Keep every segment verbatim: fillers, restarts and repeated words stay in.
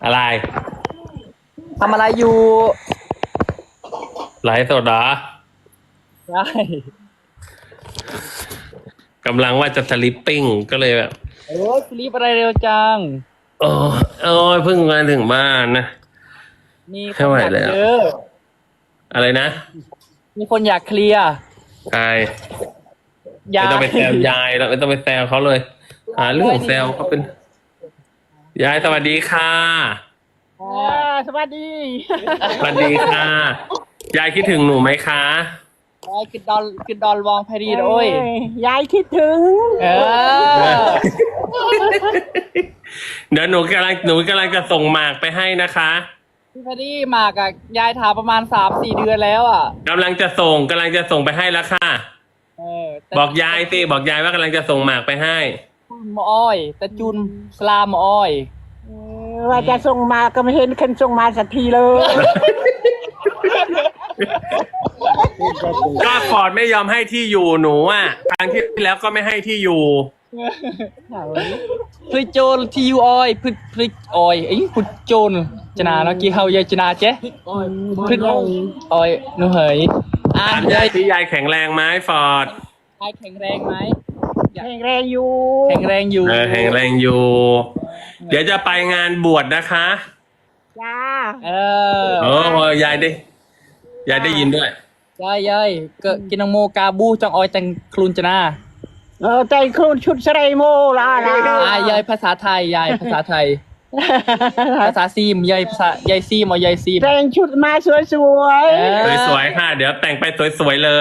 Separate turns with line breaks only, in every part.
อะไร
ทำอะไรอยู่
ไลฟ์สดเหรอ
ใช่
กำลังว่าจะสลิปปิ้งก็เลยแบบ
โอ้ยฟลิปอะไรเร็วจัง
โอ้โอ้ยเพิ่งมาถึงบ้านนะ
มีค
ไม่
น
ไหว
อยาก
แล้ว
เจอ
อะไรนะ
มีคนอยากเคลียร์
ใคร
ยา
ไม่ต้องไปแซวยายแล้วไม่ต้องไปแซวเขาเลยหาเรื่องแซวเขาเป็นยายสวัสดีค่ะ
อ่าสวัสดี
สวัสดีค่ะ ยายคิดถึงหนูไหมคะ
ยายกินดอลกินดอลวองพารีโอ้ย
ยายคิดถึง
เออ
เดี๋ยวหนูกำลังหนูกำลังจะส่งหมากไปให้นะคะ
พี่พารีมากับยายถามประมาณสามสี่เดือนแล้วอ่ะ
กำลังจะส่งกำลังจะส่งไปให้แล้วค่ะ
เออแต่
บอกยายสิบอกยายว่ากำลังจะส่งหมากไปให้
หมออ้อยแต่จุนสลามหมออ้อย
เออว่าจะส่งมาก็ไม่เห็นคนส่งมาสักทีเลย
ก็ฟอร์ดไม่ยอมให้ที่อยู่หนูอ่ะครั้งที่แล้วก็ไม่ให้ที่อยู่
พริกโจนทียูออยพริกพริกออยไอ้พริกโจนจนาเนาะกี่เฮายายจนาเจ๊พริกออยหนูเหยอ่า
ถาม
ยาย
าย ยที่ยายแข็งแรงไหมฟอร์ด
ยายแข็งแรงไหม
แข็งแรงอยู่
แข็งแรงอยู่
เออแข็งแรงอยู่ เดี๋ยวจะไปงานบวชนะคะ
จ้า
เออ
โอ้ยายได้ยายได้ยินด้วย
ยายยายก็กินนองโมกาบูจังออยแต่งคลุนจนา
เออใจครูชุดสไลโมลาลา
อ่ายายภาษาไทยยายภาษาไทย ภาษาซีมยายภาษายายซีมเอายายซีม
แต่งชุดมาสวย
เออ
สวยๆค่ะ เดี๋ยวแต่งไปสวยๆเลย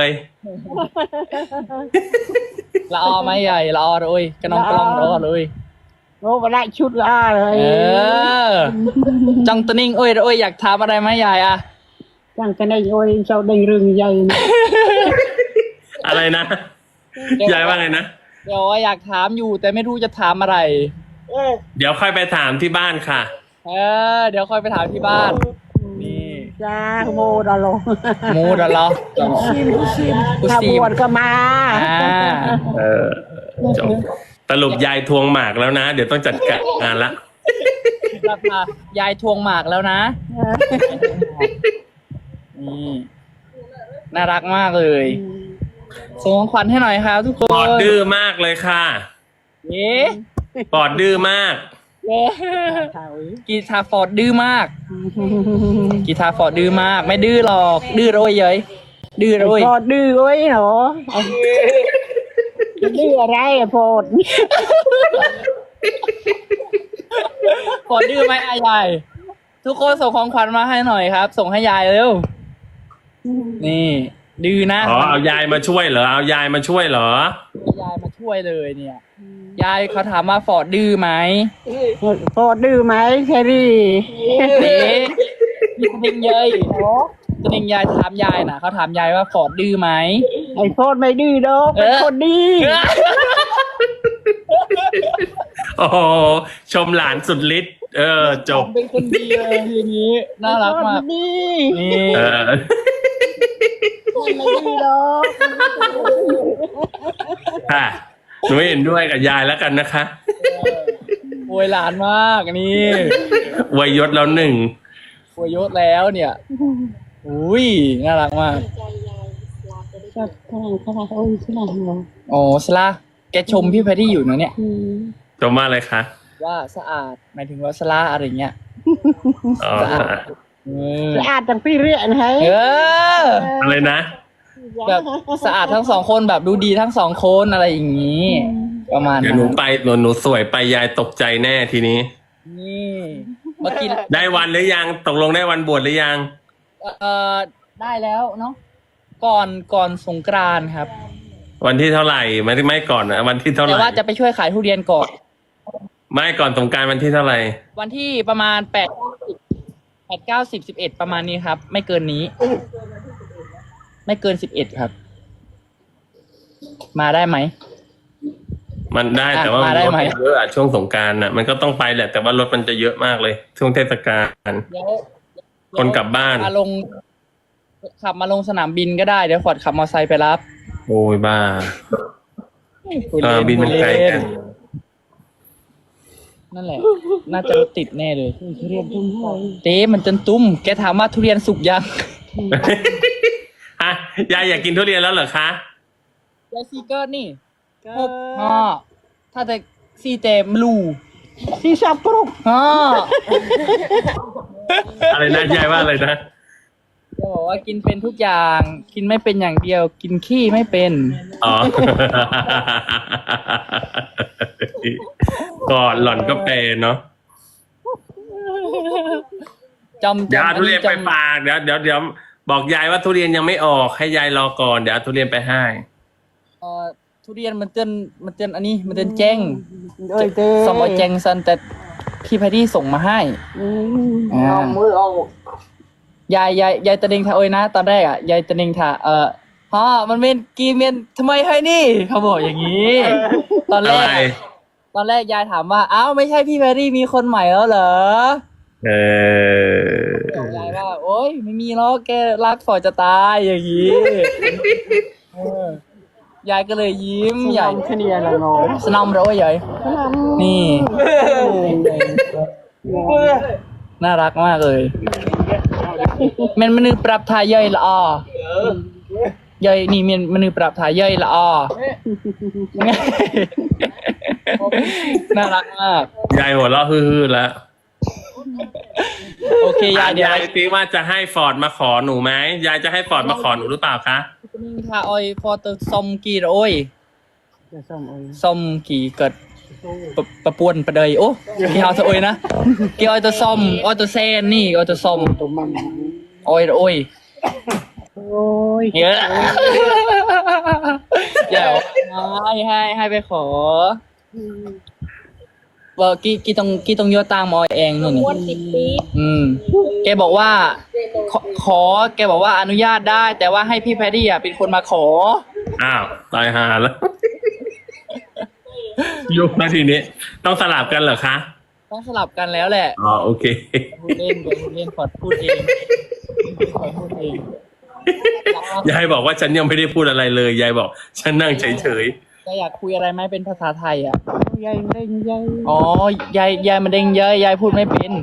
ละออไหมยายละออเลยกระนองกระลองละออเลย
ๆโอ้มาได้ชุดละเลย
เออจังตะนิ่งโอ้ยโอ้ยอยากถามอะไรไหมยายอะ
จังกันได้โอ้ยเจ้าได้เรื่องใหญ่นะ
อะไรนะยายว่าไงนะ
เดี๋ยวอยากถามอยู่แต่ไม่รู้จะถามอะไร
เดี๋ยวค่อยไปถามที่บ้านค่ะ
เออเดี๋ยวค่อยไปถามที่บ้าน นี่
จ้าโมดาลง
มูดเหรอ
ชิมชิม
กู
ถ้า
ชิ
บ
ม
วชก็มา
อ่า
เออจบสรุปยายทวงหมากแล้วนะ เดี๋ยวต้องจัดการงานละ
ราคายายทวงหมากแล้วนะนี่น่ารักมากเลยส่งของขวัญให้หน่อยครับทุกค
ปอด
น
ดื้อมากเลยค่ะ
เย้
ปอดดื้อมาก
เย้กีตาร์ฟอร์ดดื้อมากกีตาร์ฟอร์ดดื้อมาก ไม่ดื้อหรอกดื้อโรยเย้ยดื้อโรย
พอดื้อโอ้ยเหรอดื้ออะไรอะพอด
ฟอร์ดดื้อไหมอายายทุกคนส่งของขวัญมาให้หน่อยครับ ส่งให้ยายเร็วนี่ดื้อนะ
อ๋อเอายายมาช่วยเหรอเอายายมาช่วยเหรอ
ยายมาช่วยเลยเนี่ย ยายเขาถามว่าฟอร์ดดื้อไหม
พอดื้อไหมแครี่
เด็กนี่จริงเย้ยจริงยายถามยายนะเขาถามยายว่าฟอร์ดดื้อไหม
ไอ้พอดไม่ดื้อดอกเป็นคนดี
โอ้โหชมหลานสุดฤทธิ์เออจบ
เป็นคนดีเลยอย่างนี้น่ารักมาก
ดี
นี่
เออ
ไม่ดื้อดอก
ค่ะหนูเห็นด้วยกับยายแล้วกันนะคะ
โวยหลานมากนี่
อวยยศแล้วหนึ่ง
โวยยศแล้วเนี่ยอุ้ยน่ารักมาก
ขนาดขนาดโอ้ยขนาดเหรอ
โอ้สลาแกชมพี่แพทตี้อยู่นะเนี่ย
จบมาเลยคะ
ว่าสะอาดหมายถึงว่าสลาอะไรเงี้ย
อ๋อ
เออ
สะอาดจังพี่เรียนให้
เออ
อะไรนะ
แบบสะอาดทั้งสองคนแบบดูดีทั้งสองคนอะไรอย่างนี้ ประมาณ
เดี๋ยว
นั้
หนู
น
ไปหนูหนูสวยไปยายตกใจแน่ทีนี้
นี่เมื่อกี้
ได้วันหรือยังตกลงได้วันบวชหรือยัง
เอ่อได้แล้วเนาะก่อนก่อนสงกรานต์ครับ
วันที่เท่าไหร่ไม่ไม่ก่อนนะวันที่เท่าไห
แต่
ร่
ว่าจะไปช่วยขายทุเรียนก่อน
ไม่ก่อนสงกรารวันที่เท่าไหร่
วันที่ประมาณแปดแปดเก้าสิบสิบเอ็ดประมาณนี้ครับ ไม่เกินนี้ ไม่เกินสิบเอ็ดครับ มาได้ไหม
มันได้
อ่ะ
แต่ว่า
มาได้
รถ
ไหม
เยอะอะช่วงสงกรารน่ะมันก็ต้องไปแหละแต่ว่ารถมันจะเยอะมากเลย ช่วงเทศกาล
เดี๋ยว
คนกลับบ้าน
มาลง ขับมาลงสนามบินก็ได้เดี๋ยวฟอร์ดขับมอเตอร์ไซค์ไปรับ
โอ้ยบ้า
พูด
ส
เล่
นามบินมันไกลกัน
พนั่นแหละ น่าจะรถติดแน่เลย
ทุเรียนทุ่มห้อย
เต้มันจนตุ้ม แกถามว่าทุเรียนสุกยัง
ฮะยายอยากกินทุเรียนแล้วเหรอคะ
ยายซีเกิร์นี่หกห้าถ้าจะซีเจมลู
ที่สับกรุบ
ห้า
อะไรนะยายว่าอะไรนะ
จะบอกว่ากินเป็นทุกอย่าง กินไม่เป็นอย่างเดียว กินขี้ไม่เป็น
อ๋อ ก่อนหล่อนก็เป็นเนาะ
จำ
ยา
จำ
ทุเรียนไป
จำ
ฝากเดี๋ยวเดี๋ยวเดี๋ยวบอกยายว่าทุเรียนยังไม่ออกให้ยายรอก่อนเดี๋ยวเอาทุเรียนไปให้
เอ่อทุเรียนมันเตือนมันเตือนอันนี้มันเตือนแจ้ง
เอ้ยเต้
สมอแจงซันแต่พี่แพดดี้ส่งมาให้
อืม
อ่า
เอามือเอา
ยายยายยายตะเนงทาโอยนะ ตอนแรกอ่ะยายตะเนงทาเอ่อพ่อมันเป็นกีเมียนทำไมให้นี่ เขาบอกอย่างนี้ ตอนแร
อะไร
ก ตอนแรกยายถามว่าอ้าวไม่ใช่พี่แพดดี้มีคนใหม่แล้วเหรอ
เออ
บอกยายว่า โอ๊ยไม่มีหรอกแกรักฝอจะตายอย่างนี้เออยายก็เลยยิ้มใหญ่
ขเนียละเนาะ
สนอมเราใหญ่นี่ น่ารักมากเลยมันมนือปรับทายย่อยละออย่อยนี่มันมนือปรับทายย่อยละอน่ารักมาก
ยายหัวเราะฮือๆแล้ว
โอเคยายเดี๋ยวย
ายตีว่าจะให้ฟอร์ดมาขอหนูไหมยายจะให้ฟอร์ดมาขอหนูหรือเปล่าคะ
นิ่งทาออยฟอร์ตซอมกีโอ้ย
จะส่งเอ้ย
ซอมกี่เกิดปะปะปวนประเดยโอ้กี่เอาเธอโอ้ยนะกี่ออยตัวซอมออยตัวเซนนี่ออยตัวซอม
ตัวมัน
ออยโอ้ย
โอ้ย
เยอะเดี๋ยวให้ให้ให้ไปขอว่ากี่กี่ต้องกี่ต้องโยตามออยเองนู่นนี่อืมแกบอกว่า ขอขอ แกบอกว่าอนุญาตได้ แต่ว่าให้พี่แพดดี้อ่ะเป็นคนมาขอ
อ้าวตายหาแล้ว ยุคนาทีนี้ ต้องสลับกันเหรอคะ
ต้องสลับกันแล้วแหละ
อ๋อโอเค
พูดเล่นเดี๋ยวพูดเล่นขอพูดเองขอพูดเอง
ยายบอกว่าฉันยังไม่ได้พูดอะไรเลย ยายบอก ฉันนั่งเฉย
จะอยากคุยอะไรไหมเป็นภาษาไทยอ่ะ
ใหญ่เร่งใหญ่
อ๋อยายยายมันเด้งเยอะยายพูดไม่เป็น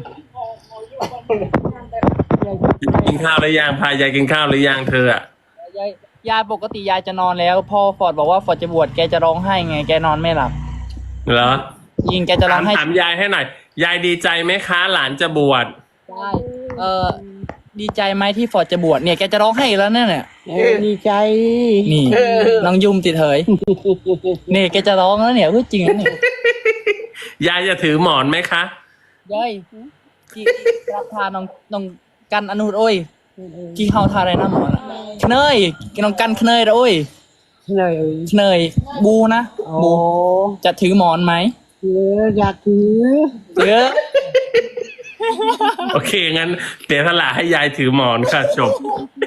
ๆกินข้าวหรือยังพายายกินข้าวหรือยังเธออะ
ยายยายปกติยายจะนอนแล้วพอฟอร์ดบอกว่าฟอร์ดจะบวชแกจะร้องไห้ไงแกนอนไม่หลับ
เหรอ
ยิงแกจะร้
ถา
อ
ม
งไห้
ถามยายให้หน่อย ยายดีใจไหมคะ หลานจะบวช
ได้เออดีใจไหมที่ฟอร์ดจะบวชเนี่ยแกจะร้องไห้อีกแล้วเนี่ยเนี่ย
เออดีใจ
นี่น้องยุมติดเหยนี่แกจะร้องแล้วเนี่ยพูดจริงนะเนี่ย
ยายจะถือหมอนไหมคะ
ยายกี่รับทานน้องน้องกันอนุโอ้ยกี่เฮาทาอะไรนะหมอนะเนยน้องกันเนยนะโอ้ย
เหนื่อย
เนยบูนะ
โอ้
บูจะถือหมอนไหม
เอออยากถือ
เยอะ
โอเคงั้นเสียสละให้ยายถือหมอนค่ะจบ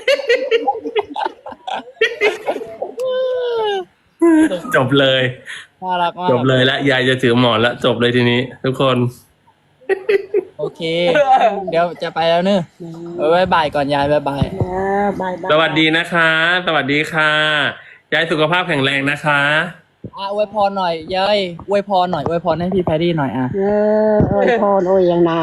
จบเลย
น่ารักมาก
จบเลยแล้วยายจะถือหมอนแล้วจบเลยทีนี้ ทุกคน
โอเค เดี๋ยวจะไปแล้วเนอะเอาไว้บ่ายก่อนยายบ๊ายบาย
นะบายบาย
สวัสดีนะคะ สวัสดีค่ะ ยายสุขภาพแข็งแรงนะคะ
อ่ะอวยพรหน่อยยายอวยพรหน่อยอวยพรให้พี่แพดดี้หน่อยอ่ะ
เออโอ้ยพ่อโอ้ยยังนา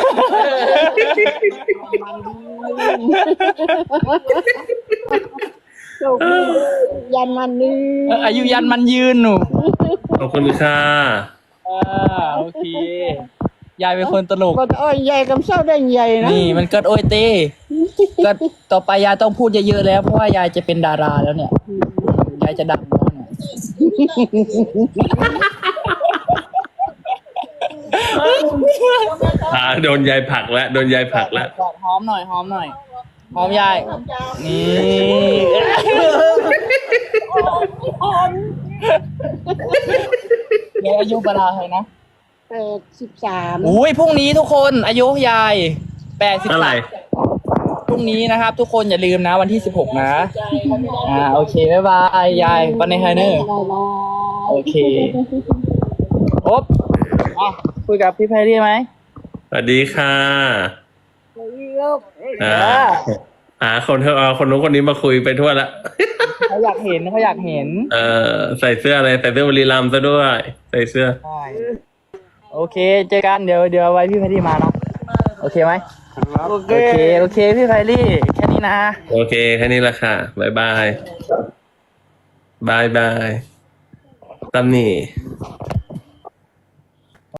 โชคดียันมันนี่
เอออายุยันมันยืนหนู
ขอบคุณค่ะ
อ่าโอเค ยายเป็นคนตลก
ก็โอ้ยใหญ่กับเศร้าได้ใหญ่นะ
นี่มันเกิดโอยเต้ก็ต่อไปยายต้องพูดเยอะๆแล้วเพราะว่ายายจะเป็นดาราแล้วเนี่ย ยายจะดังแล้วเนี่ย
อ่าโดนยายผลักแล้ว โดนยายผลักแล้ว
กอดหอมหน่อยหอมหน่อยหอมยาย นี่ยายอายุเวลาเท่าไหร่นะ
แปดสิบสาม
อุ้ยพรุ่งนี้ทุกคนอายุยายแปดสิบ
เท่าไหร่
พรุ่งนี้นะครับ ทุกคนอย่าลืมนะวันที่สิบหกนะ อ่าโอเคบ๊ายบายยายวันในไฮเนอร์โอเคโอ๊บอ่ะคุยกับพี่ไพรี่ไหม
สวัสดีค่ะอ่าหาคนเธอเอาคนนู้นคนนี้มาคุยไปทั่วละ
เขาอยากเห็นเขาอยากเห็น
เออใส่เสื้ออะไร ใส่เสื้อบุรีรัมย์ซะด้วย ใส่เสื้อ
ใช่โอโอเคเจอกันเดี๋ยวเดี๋ยวไว้พี่ไพรี่มาเนาะโอเคไหม
โอเค
โอเคโอเคพี่ไพรี่แค่นี้นะ
โอเคแค่นี้แหละค่ะบายบายบายบายตำหนี่